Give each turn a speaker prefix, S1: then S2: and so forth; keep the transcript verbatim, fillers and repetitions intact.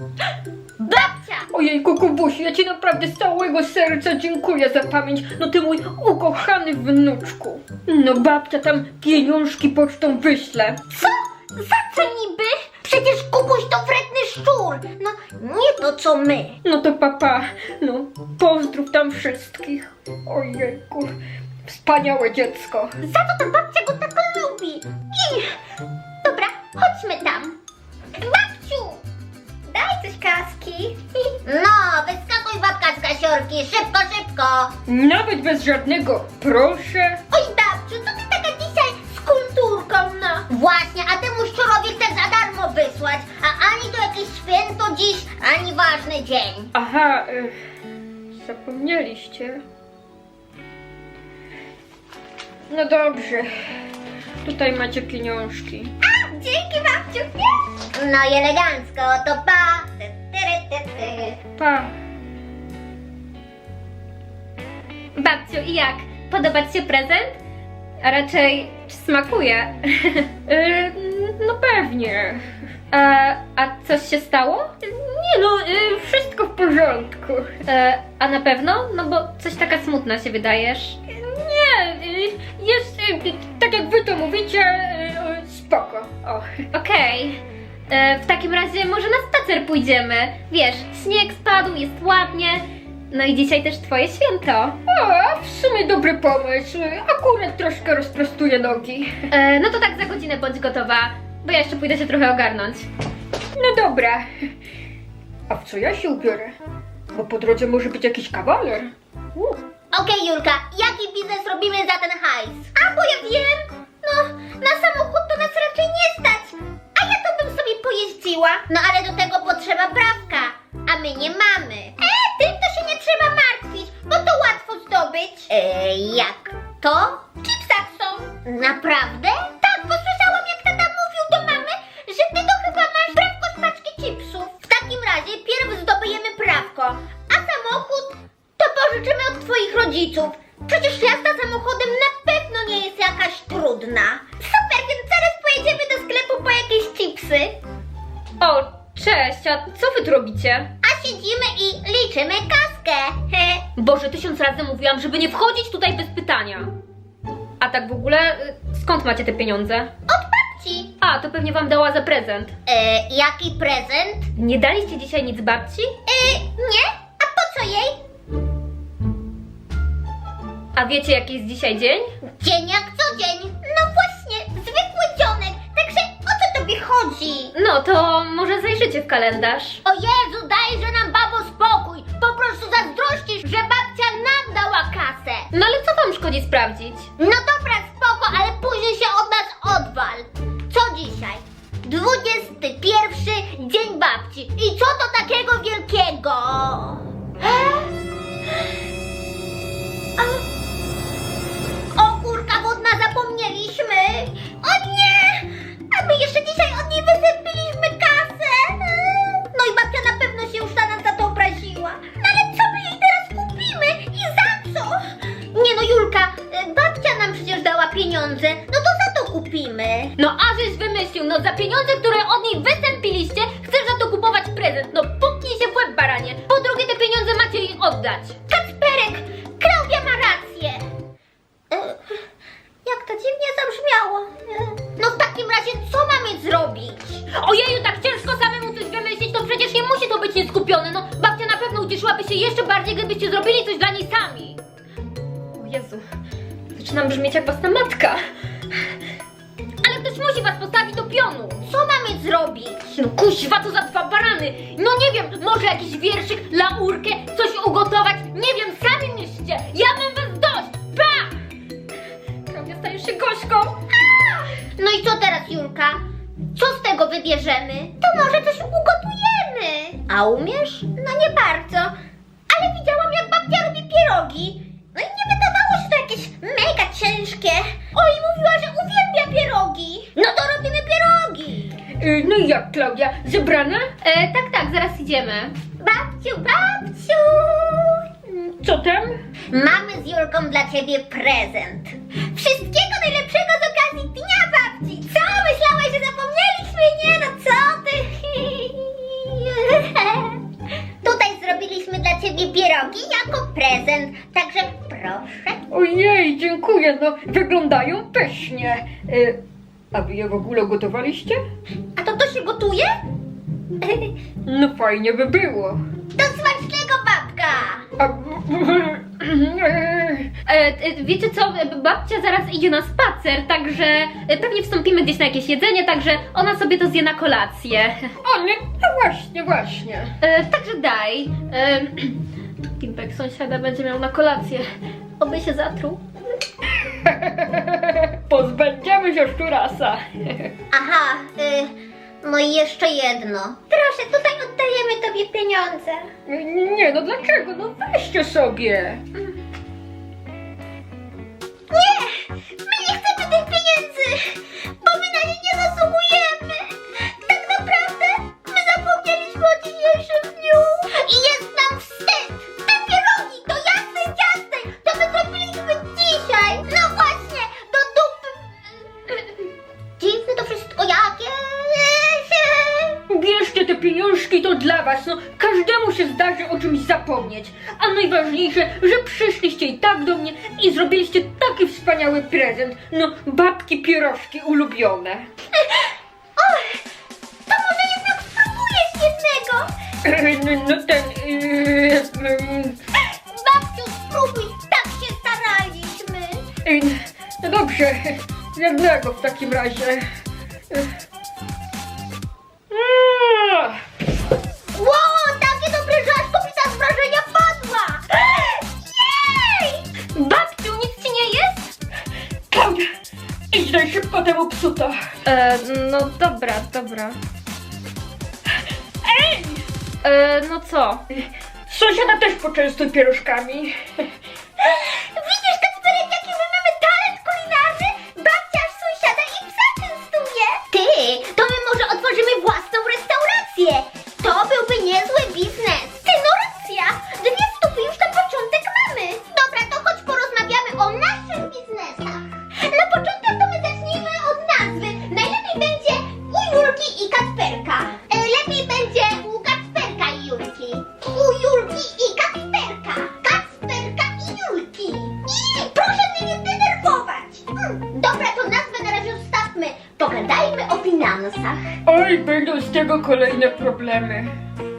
S1: Babcia!
S2: Ojejku, Kubusiu, ja ci naprawdę z całego serca dziękuję za pamięć. No ty mój ukochany wnuczku. No babcia tam pieniążki pocztą wyśle.
S1: Co? Za co niby? Przecież Kubuś to wredny szczur. No, nie to co my.
S2: No to papa, no pozdrów tam wszystkich. Ojejku, wspaniałe dziecko.
S1: Za to ta babcia go tak lubi. I... Dobra, chodźmy tam. Babciu! Daj coś kaski. No, wyskakuj babka z kasiorki. Szybko, szybko.
S2: Nawet bez żadnego proszę.
S1: Oj, babciu, co ty taka dzisiaj z kulturką, no? Właśnie, a temu szczurowi chcę za darmo wysłać. A ani to jakieś święto dziś, ani ważny dzień.
S2: Aha, y, zapomnieliście. No dobrze, tutaj macie pieniążki.
S1: A, dzięki babciu. No i elegancko, to pa. Ty, ty, ty, ty.
S2: Pa.
S3: Babciu, i jak? Podoba ci się prezent? A raczej, czy smakuje?
S2: Y, no pewnie.
S3: A, a coś się stało?
S2: Nie no, y, wszystko w porządku.
S3: E, a na pewno? No bo coś taka smutna się wydajesz.
S2: Nie, y, jest y, tak jak wy to mówicie, y, spoko. O.
S3: Okej. E, W takim razie może na spacer pójdziemy. Wiesz, śnieg spadł, jest ładnie. No i dzisiaj też twoje święto.
S2: O, w sumie dobry pomysł. Akurat troszkę rozprostuję nogi.
S3: E, no to tak za godzinę bądź gotowa, bo ja jeszcze pójdę się trochę ogarnąć.
S2: No dobra. A w co ja się ubiorę? Bo po drodze może być jakiś kawaler. U.
S1: Okej, Julka, jaki biznes robimy za ten hajs? A, bo ja wiem. No, na samochód to nas raczej nie stać. A ja to bym sobie pojeździła. No ale do tego potrzeba prawka, a my nie mamy. E, tym to się nie trzeba martwić, bo to łatwo zdobyć. E, jak to? W chipsach są. Naprawdę? Tak, bo słyszałam jak tata mówił do mamy, że ty to chyba masz prawko z paczki chipsów. W takim razie pierw zdobędziemy prawko, a samochód to pożyczymy od twoich rodziców. Przecież jazda samochodem na pewno nie jest jakaś trudna. Super, więc zaraz pojedziemy do sklepu po jakieś chipsy.
S3: O, cześć, a co wy tu robicie?
S1: A siedzimy i liczymy kaskę. He.
S3: Boże, tysiąc razy mówiłam, żeby nie wchodzić tutaj bez pytania. A tak w ogóle, y, skąd macie te pieniądze?
S1: Od babci.
S3: A, to pewnie wam dała za prezent.
S1: E, jaki prezent?
S3: Nie daliście dzisiaj nic babci?
S1: E, nie? A po co jej?
S3: A wiecie, jaki jest dzisiaj dzień?
S1: Dzień jak co dzień. No właśnie, zwykły dzionek. Także o co tobie chodzi?
S3: No to może zajrzycie w kalendarz.
S1: O Jezu, dajże nam babo spokój. Po prostu zazdrościsz, że babcia nam dała kasę.
S3: No ale co wam szkodzi sprawdzić?
S1: No dobra, spoko, ale później się od nas odwal. Co dzisiaj? dwudziesty pierwszy dzień babci. I co to takiego wielkiego? A... O kurka wodna, zapomnieliśmy. O nie! A my jeszcze dzisiaj od niej wysępiliśmy kasę. No i babcia na pewno się już na nas za to obraziła. No ale co my jej teraz kupimy? I za co? Nie no Julka, y, babcia nam przecież dała pieniądze. No to za to kupimy.
S3: No a żeś wymyślił, no za pieniądze, które od niej występiliście, chcesz za to kupować prezent. No puknij się w łeb, baranie. Po drugie, te pieniądze macie jej oddać.
S1: Kacperek, Klaudia ma rację. E, jak to dziwnie zabrzmiało. E, No w takim razie co mamy zrobić?
S3: Ojeju, tak ciężko samemu coś wymyślić, to przecież nie musi to być nieskupione. No babcia na pewno ucieszyłaby się jeszcze bardziej, gdybyście zrobili coś dla niej sami. O Jezu, zaczynam brzmieć jak własna matka. Ale ktoś musi was postawić do pionu.
S1: Co mamy zrobić?
S3: No kuźwa, to za dwa barany. No nie wiem, może jakiś wierszyk, laurkę, coś ugotować. Nie wiem, sami myślcie. Ja mam was dość. Pa! Klaudia, stajesz się gośką.
S1: No i co teraz Julka? Co z tego wybierzemy? To może coś ugotujemy. A umiesz? No nie bardzo. Ale widziałam jak babcia robi pierogi. No i nie wydawało się to jakieś mega ciężkie. Oj, mówiła, że uwielbia pierogi. No to robimy pierogi.
S2: Y, no i jak, Klaudia? Zebrana?
S3: E, tak, tak, zaraz idziemy.
S1: Babciu, babciu.
S2: Co tam?
S1: Mamy z Julką dla ciebie prezent. Wszystkiego najlepszego z okazji Dnia Babci. Co? Myślałeś, że zapomnieliśmy? Nie no, co ty?
S2: wyglądają pysznie. Y, a wy je w ogóle gotowaliście?
S1: A to to się gotuje?
S2: No fajnie by było.
S1: Do smacznego, babka!
S2: A,
S3: E, e, wiecie co, babcia zaraz idzie na spacer, także e, pewnie wstąpimy gdzieś na jakieś jedzenie, także ona sobie to zje na kolację.
S2: o nie, no właśnie, właśnie.
S3: E, także daj. E, Pimpek sąsiada będzie miał na kolację. Oby się zatruł.
S2: Pozbędziemy się szczurasa.
S1: Aha, y, no i jeszcze jedno. Proszę, tutaj oddajemy tobie pieniądze.
S2: Nie, no dlaczego? No weźcie sobie.
S1: Nie! My nie chcemy tych pieniędzy! Bo my na nie nie zasługujemy! Tak naprawdę my zapomnieliśmy o dzisiejszym dniu! I jest nam wstyd! Te pierogi to jasne ciasne! To my zrobiliśmy dzisiaj! No właśnie! Do dupy! Dziwne to wszystko jakieś!
S2: Bierzcie te pieniążki, to dla was, no każdemu się zdarzy o czymś zapomnieć. A najważniejsze, że przyszliście i tak do mnie i zrobiliście taki wspaniały prezent. No, babki pierożki ulubione.
S1: Och, to może jednak spróbujesz jednego!
S2: No, no ten... Yy, yy,
S1: Babciu, spróbuj! Tak się staraliśmy!
S2: yy, no dobrze, jednego w takim razie. Yy. Mm.
S1: Wow, takie dobre, że aż kobieta z wrażenia padła! Jej!
S3: Babciu, nic ci nie jest?
S2: Klaudia, idź daj szybko temu psuta.
S3: E, no dobra, dobra.
S2: Ej!
S3: E, no co?
S2: Sąsiada też poczęstuj pierożkami.
S1: Widzisz, Kacperek, jaki my mamy talent kulinarny? Babcia aż sąsiada i psa częstuje! Ty, to my może otworzymy własną restaurację! To byłby niezły biznes! Ty, no racja! Dwie stówy już na początek mamy! Dobra, to chodź porozmawiamy o naszych biznesach! Na początek to my zacznijmy od nazwy. Najlepiej będzie u Julki i Kacperka. E, lepiej będzie u Kacperka i Julki. U Julki i Kacperka. Kacperka i Julki. I proszę mnie nie denerwować. Hmm, dobra, to nazwę na razie zostawmy. Pogadajmy o finansach.
S2: Oj, będą z tego kolejne problemy.